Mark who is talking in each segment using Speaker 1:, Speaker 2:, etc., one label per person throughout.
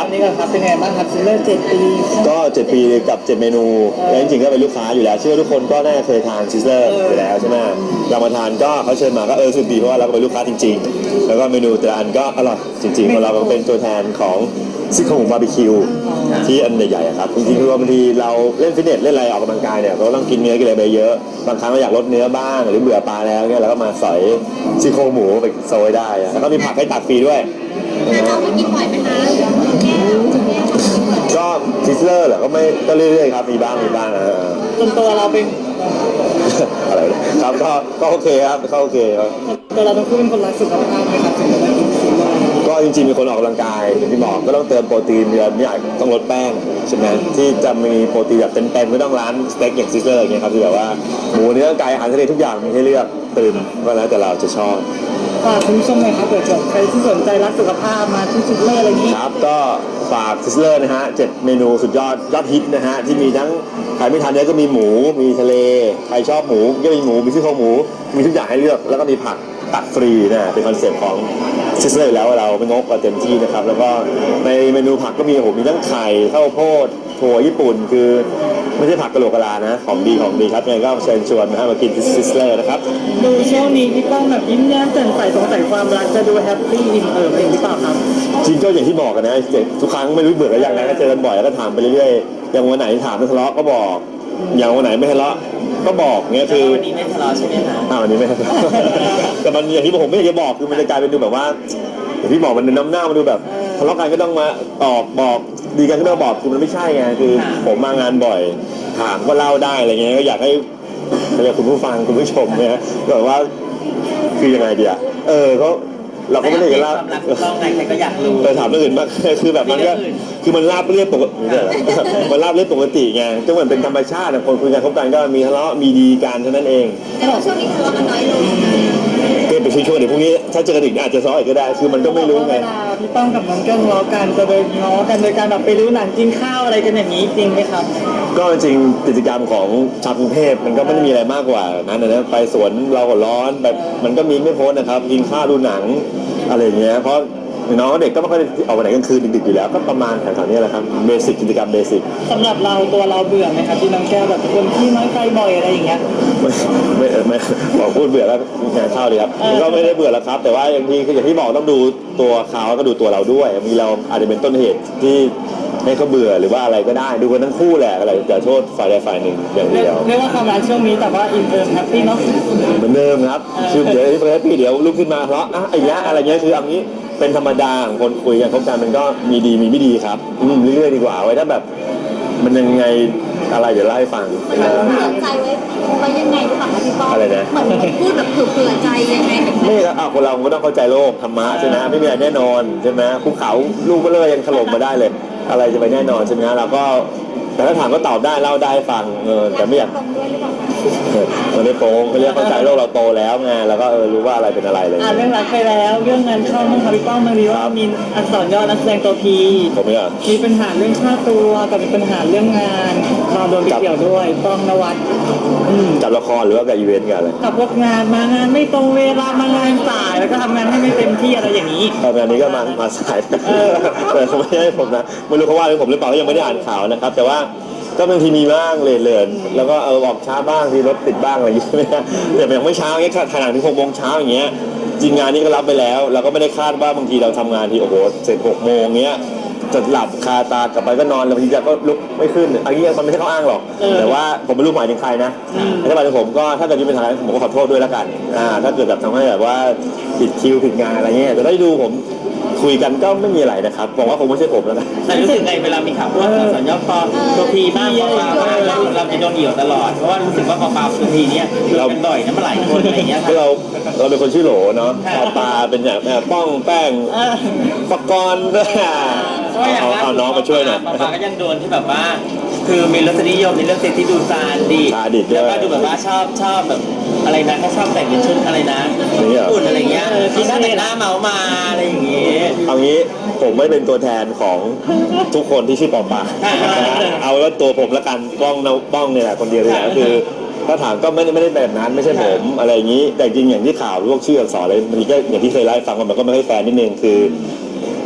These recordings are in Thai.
Speaker 1: นี้ก่อนครับเป็นไงบ้างครับซิลเลอร์7 ปี
Speaker 2: ก็7 ปีกับ7 เมนูแล้วจริงๆก็เป็นลูกค้าอยู่แล้วเชื่อว่าทุกคนก็น่าจะเคยทานซิสเลอร์อยู่แล้วใช่ไหมเรามาทานก็เขาเชิญมาก็สุดดีเพราะว่าเราก็เป็นลูกค้าจริงๆแล้วก็เมนูแต่ละอันก็อร่อยจริงๆเพราะเราก็เป็นตัวแทนของซี่โครงบาร์บีคิวที่อันใหญ่ๆครับจริงๆคือบางทีเราเล่นฟิตเนสเล่นอะไรออกกำลังกายเนี่ยเราต้องกินเนื้อกินอะไรไปเยอะบางครั้งเราอยากลดเนื้อบ้างหรือเบื่อปลาแล้วเนี่ยเราก็มาสอยซี่โครงหมูไปโซยได้แล้วก็มีผักให้ตักฟรีด้วย
Speaker 3: เราไปกินบ่อยไหมคะ
Speaker 2: ก็ซิสเลอร์เหรอก็ไม่ก็เรื่อยๆครับมีบ้าง
Speaker 1: จนตัวเราเป็น
Speaker 2: อะไรครับก็โอเคครับก็โอเคครับ
Speaker 1: ตัวเราต้องพูดเป็นคนรักสุขภาพไหมครับถึงจะได้กินซิลเลอร์
Speaker 2: ก็จริงๆมีคนออกกำลังกายอย่างที่บอกก็ต้องเติมโปรตีนเดือนไม่อยากต้องลดแป้งใช่ไหมที่จะมีโปรตีนแบบเต็มๆไม่ต้องร้านสเต็กอย่างซิสเลอร์อย่างเงี้ยครับที่แบบว่าหมูเนื้อไก่อาหารทะเลทุกอย่างมีให้เลือกตื่นก็แล้วแต่เราจะชอบ
Speaker 1: ฝากคุณผู้ชมหน่อยครับเผื่อใครที่สนใจรักสุขภาพมาที่ซิสเลอร์อะไรอย่างนี้
Speaker 2: ครับก็ฝากซิสเลอร์นะฮะ7 เมนูสุดยอดฮิตนะฮะที่มีทั้งใครไม่ทานเนื้อก็มีหมูมีทะเลใครชอบหมูก็มีหมูมีซี่โครงหมูมีทุกอย่างให้เลือกแล้วก็มีผักตัดฟรีนะเป็นคอนเซ็ปต์ของซิสเลอร์แล้วเราไม่งกเต็มที่นะครับแล้วก็ในเมนูผักก็มีมีทั้งไข่ข้าวโพดถั่วญี่ปุ่นคือไม่ใช่ผักกะโหลกกะลานะของดีครับยังไงก็เชิญชวนมากินซิสเลอร์นะครับ
Speaker 1: ดูช่วงนี้พี่ป้องแบบยิ้มแย้มแจ่มใสสงสัยความรักจะดูแฮปปี้อิ่มเอิบเองหรือเปล่าครับ
Speaker 2: จริงก็อย่างที่บอกกันนะทุกครั้งไม่รู้เบื่อกันอย่างไรก็เจอกันบ่อยแล้วก็ถามไปเรื่อยๆอย่างวันไหนถามไม่ทะเลาะก็บอกอย่างวันไหนไม่ทะเลาะก็บอกเงี้ยคือ
Speaker 1: วันนี้ไม่ทะเลาะใช่ไหมคะ
Speaker 2: วันนี้ไม่ทะเลาะแต่มันอย่างที่ผมไม่อยากจะบอกคือมันจะกลายเป็นดูแบบว่าอย่างที่บอกมันน้ำหน้ามันดูแบบทะเลาะกันก็ต้องมาบอกดีกันก็ต้องบอกคือมันไม่ใช่ไงคือผมมางานบ่อยถามก็เล่าได้อะไรเงี้ยก็อยากให้คุณผู้ฟังคุณผู้ชมเนี่ยแบบว่าคือยังไงดีเขาเราก็ไม่ได้เห็นว่า
Speaker 1: ต้องไงใครก็อยากรู้
Speaker 2: ถามเรื่องอื่นมากคือแบบมันก็คือมันราบเรียบปกติมันราบเรียบปกติไงก็เหมือนเป็นธรรมชาติคนคุยกันคบกันก็มีทะเลาะมีดีกันเท่านั้นเอง
Speaker 3: แต่ช่วงนี้ทะเลาะกันน้อยลง
Speaker 2: ก็เป็นช่วงเดี๋ยวพรุ่งนี้ถ้าเจอกันอีกอาจจะซ้ออีกก็ได้คือมันก็ไม่รู้ไง
Speaker 1: พี่ป้องกับน้องเกิ้งล้อกันจะไปง้อกันโดยการแบบไปดูหนังกินข้าวอะไรกันอย่างนี้จริงไหมครับ
Speaker 2: ก็จริงกิจกรรมของชาวกรุงเทพมันก็ไม่ได้มีอะไรมากกว่านั้นนะไปสวนเราก็ร้อนแบบมันก็มีไม่พ้นนะครับกินข้าวดูหนังอะไรอย่างเงี้ยเพราะน้องเด็กก็ไม่ค่อยออกไปไหนกลางคืนดึกๆอยู่แล้วก็ประมาณแถวๆนี้แหละครับเบสิกกิจกรรมเบสิก
Speaker 1: สำหรับเราตัวเราเบื่อไหมครับที่น้องแก้วแบบคนที่น้อยใจบ่อยอะไรอย่างเงี้ย
Speaker 2: ไม่บอกพูดเบื่อแล้วงานเข้าเลยครับก็ไม่ได้เบื่อแล้วครับแต่ว่าอย่างที่บอกต้องดูตัวเขาก็ดูตัวเราด้วยมีเราอาจจะเป็นต้นเหตุที่ให้เขาเบื่อหรือว่าอะไรก็ได้ดูกันทั้งคู่แหละอะไรจะโทษฝ่ายใดฝ่ายหนึ่งอย่างเดียว
Speaker 1: เรียกว่าความรักช่วงนี้แต่ว่าอินเตอร์แฮปปี้เนาะ
Speaker 2: เหมือนเดิมครับคือเดี๋ยวแฮปปี้เดี๋ยวลุกขึ้นมาเพราะไอ้ยะอะไรเงี้ยคืออันนี้เป็นธรรมดาของคนคุยกันคบกันมันก็มีดีมีไม่ดีครับเรื่อยๆดีกว่าไว้ถ้าแบบมันยังไงอะไรเดี๋ยวเล่าให้ฟัง
Speaker 3: เผื่อใจไว้ยังไงหรือเปล่าคะพี่ป้อง
Speaker 2: อะไรนะ
Speaker 3: เหมือนพูดแบบเผื่อใจยังไง
Speaker 2: ไม่ครับคนเราก็ต้องเข้าใจโลกธรรมะใช่ไหมไม่มีอะไรแน่นอนใช่ไหมภูเขาลูกก็เลยยังถล่มมาได้เลยอะไรจะไปแน่นอนใช่ไหมเราก็แต่ถ้าถามก็ตอบได้เล่าได้ฟังแต่ไม่อยากมันไม่โป้งเขาเรียกเข้าใจโลกเราโตแล้วไงแล้วก็รู้ว่าอะไรเป็นอะไรเลย
Speaker 1: เรื่องรักไปแล้วเรื่องเงินเข้ามั่งค่ะพี่ป้องมาดีว่ามีอักษรย่อนักแสดงตัวพี
Speaker 2: ผมเนี่ย
Speaker 1: มีปัญหาเรื่องค่าตัวกับมีปัญหาเรื่องงานเราโดนเกี่ยวด้วยป้องนวัด
Speaker 2: จับละครหรือว่ากับอีเวนต์กันอะไร
Speaker 1: กับพวกงานมางานไม่ตรงเวลามางานสายแล้วก็ทำงานให้ไม่เต็มที่อะไรอย่างนี้
Speaker 2: งานนี้ก็มาสายแต่เขาไม่ให้ผมนะไม่รู้เขาว่าหรือผมหรือเปล่ายังไม่ได้อ่านข่าวนะครับแต่ว่าก็บางทีมีบ้างเลื่อนแล้วก็ออกช้าบ้างที่รถติดบ้างอะไรอย่างเงี้ยแต่ยังไม่เช้าเงี้ยถ่ายหนังถึง6 โมงเช้าอย่างเงี้ยจริงงานนี้ก็รับไปแล้วเราก็ไม่ได้คาดว่าบางทีเราทำงานที่โอ้โหเสร็จ6 โมงเงี้ยจะหลับคาตากลับไปก็นอนแล้วบางทีก็ลุกไม่ขึ้นอันนี้มันไม่ใช่ข้ออ้างหรอกแต่ว่าผมไม่รู้หมายถึงใครนะถ้าหมายถึงผมก็ถ้าเกิดมีปัญหาผมก็ขอโทษด้วยแล้วกันถ้าเกิดแบบทำให้แบบว่าผิดคิวผิดงานอะไรเงี้ยแต่ได้ดูผมคุยกันก็ไม่มีอะไรนะครับบอกว่าคงไม่ใช่ผมแล้วนะ
Speaker 1: แต่รู้สึกไงเวลามีข่าวว่าสัญญาปอตัวพีบ้างปอปลาบ้างเราจะโดนเหี่ยวตลอดเพราะว่ารู้สึกว่าปอปลาตัวพีเนี่ยเราเป็นบ่อยนะมาหลายคนอะไรเงี้ย
Speaker 2: เราเป็นคนชื่อโหลเนาะปอปลาเป็นอย่างป้องแป้งปกรณ์เอาน้องมาช่วยหน่อย
Speaker 1: ปอปลาก็ยังโดนที่แบบว่าคือมีรสนิยมในเรื่องเซ็กที่ดูซาดิแล้วก็ดูแบบว่าชอบแบบอะไรนะแค่ชอบแต่งเป็นชุดอะไรนะอุ่นอะไรเงี้ยที่หน้าแต่งหน้าเมามาอะไรอย่างเงี้ย
Speaker 2: เอางี้ผมไม่เป็นตัวแทนของทุกคนที่ชื่อปอปลาเอาว่าตัวผมละกันป้องเนี่ยแหละคนเดียวเลยนะคือถ้าถามก็ไม่ได้แบบนั้นไม่ใช่ผมอะไรอย่างนี้แต่จริงอย่างที่ข่าวพวกชื่ออักษรอะไรมันก็อย่างที่เคยไล่ฟังมันก็ไม่ค่อยแฟร์นิดนึงคือ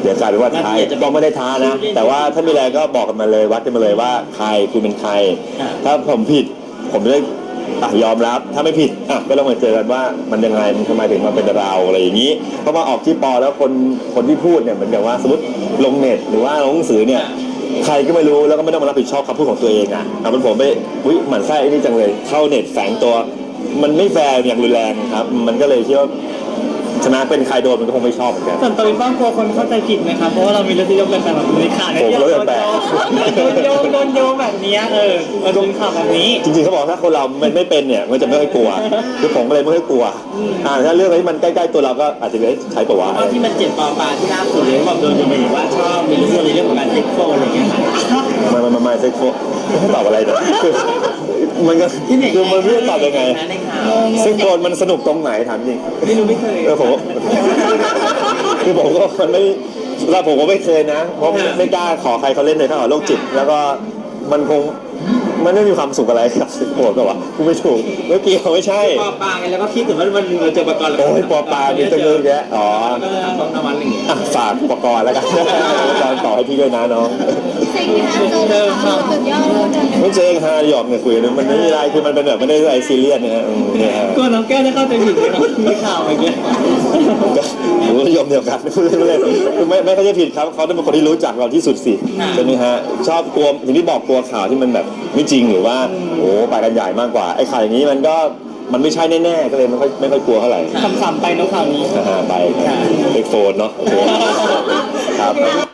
Speaker 2: เดี๋ยวกลายเป็นว่าท้ายก็ไม่ได้ท้านะ แต่ว่าถ้ามีอะไรก็บอกกันมาเลยวัดกันมาเลยว่าใครคุณเป็นใครถ้าผมผิดผมจะได้ยอมรับถ้าไม่ผิดก็ต้องมาเจอกันว่ามันยังไงมันทำไมถึงมาเป็นเราอะไรอย่างนี้เพราะว่าออกที่ปอแล้วคนที่พูดเนี่ยเหมือนกับว่าสมมติลงเน็ตหรือว่าลงหนังสือเนี่ยใครก็ไม่รู้แล้วก็ไม่ต้องมารับผิดชอบคำพูดของตัวเองมันผมไปหมั่นไส้ไอ้นี่จังเลยเข้าเน็ตแฝงตัวมันไม่แฟร์อย่างรุนแรงครับมันก็เลยคิดว่าชนะเป็นใครโดนมันก็คงไม่ชอบเหมือนกัน
Speaker 1: ส่วนตัวพี่ป้องกลัวคนเข้าใจผิดไหมครับเพราะว่าเรามีรสนิยมแบบแบบนี้ค่ะโดนโยงแบบนี้โดนข่าวแบบนี้
Speaker 2: จริงๆเขาบอกถ้าคนเราไม่เป็นเนี่ยมันจะไม่ค่อยกลัวคือผมก็เลยไม่ค่อยกลัวถ้าเรื่องอะไรที่มันใกล้ๆตัวเราก็อาจจะใช้ปะวะ
Speaker 1: ที่มันเจ็บปอปลาที่ล่าสุดเลยบอกโดนจะไปว่าชอบมีเรื่องของการเซ็กโฟอะไรอย่างเงี้ย
Speaker 2: มาเซ็กโฟไม่ตอบอะไรเลยมันก็คือมันไม่ตอบยังไงเซ็กโฟมันสนุกตรงไหนถามจริง
Speaker 1: ไม่เคย
Speaker 2: ผมคือผมก็มันไม่เราผมก็ไม่เคยนะเพราะไม่กล้าขอใครเขาเล่นเลยถ้าขอโรคจิตแล้วก็มันคงมันไม่มีความสุขอะไรกับสิโกรธป่าวะกูไม่ถูกไม่เกี่ยวไม่ใช่
Speaker 1: ปอปลาไงแล้วก็คิดถึงว่ามันเจอปกรณ์
Speaker 2: โอ้ยปอปลาเป็นตัวเยอะแยะอ๋อฝากปกรณ์แล้วกันต่อให้พี่ด้วยนะน้องไม่เจอฮาหยอกเนี่ยคุยมันไม่มีอะไรคือมันเป็นแบบไม่ได้อะไรซีเรียสนะ
Speaker 1: ก็น้องแก้วได้เข้าใจผิดเลยมีข่าวอะไรเงี้ย
Speaker 2: ผมก็ยอมเดียวกันพูดเล่นคือไม่เขาจะผิดครับเขาต้องเป็นคนที่รู้จักเราที่สุดสิใช่ไหมฮะชอบกลัวอย่างที่บอกกลัวข่าวที่มันแบบไม่จริงหรือว่าโอ้ไปกันใหญ่มากกว่าไอ้ข่าวอย่างนี้มันไม่ใช่แน่ๆก็เลยไม่ค่อยกลัวเท่าไหร่
Speaker 1: คำไปน้องข่าวนี้
Speaker 2: ไปเอ็กโฟนเนาะครับ